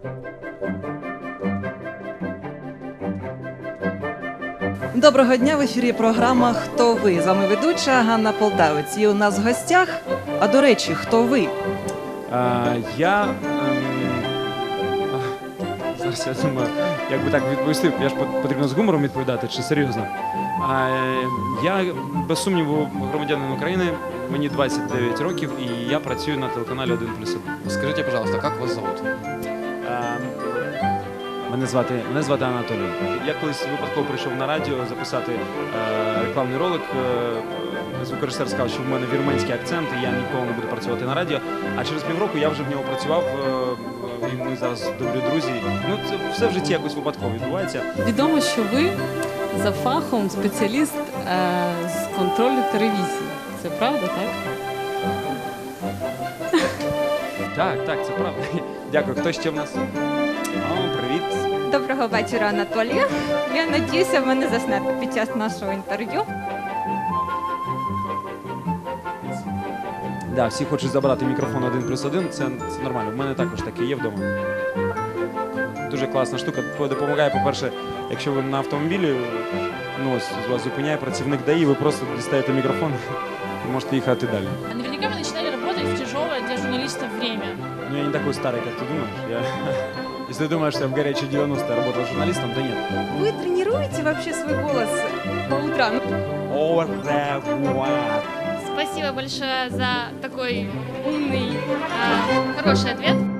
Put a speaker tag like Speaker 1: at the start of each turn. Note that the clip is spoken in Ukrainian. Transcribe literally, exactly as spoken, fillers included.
Speaker 1: Доброго дня, в ефірі програма «Хто ви?». З вами ведуча Ганна Полтавець. І у нас в гостях, а до речі, хто ви?
Speaker 2: А, я... Ем, зараз я думаю, як би так відповісти, я ж потрібно з гумором відповідати, чи серйозно? А, я, без сумніву, громадянин України, мені двадцять дев'ять років, і я працюю на телеканалі один плюс один.
Speaker 3: Скажите, пожалуйста, как вас зовут?
Speaker 2: А, Мене звати, мене звати Анатолій. Я колись випадково прийшов на радіо записати е, рекламний ролик. Е, звукорежисер сказав, що в мене вірменський акцент, і я ніколи не буду працювати на радіо. А через півроку я вже в нього працював, е, і ми зараз добрі друзі. Ну, це все в житті якось випадково відбувається.
Speaker 4: Відомо, що ви за фахом спеціаліст е, з контролю телевізії. Це правда, так?
Speaker 2: Так, так, це правда. Дякую. Хто ще в нас? О, привіт.
Speaker 5: Доброго вечора, Анатолію. Я надіюся, ви не заснете під час нашого інтерв'ю.
Speaker 2: Да, всі хочуть забрати мікрофон один плюс один, це, це нормально. В мене також таке є вдома. Дуже класна штука. Допомагає, по-перше, якщо ви на автомобілі, ну ось вас зупиняє працівник ДАІ, ви просто дістаєте мікрофон і можете їхати далі.
Speaker 6: Наверняка вы начинали работать в тяжелое для журналистов время.
Speaker 2: Ну я не такой старый, как ты думаешь. Я... Если ты думаешь, что я в горячие девяностые работал журналистом, то нет.
Speaker 5: Ви тренуєте вообще свій голос по утрам?
Speaker 2: Au revoir.
Speaker 6: Спасибо большое за такой умный, э, хороший ответ.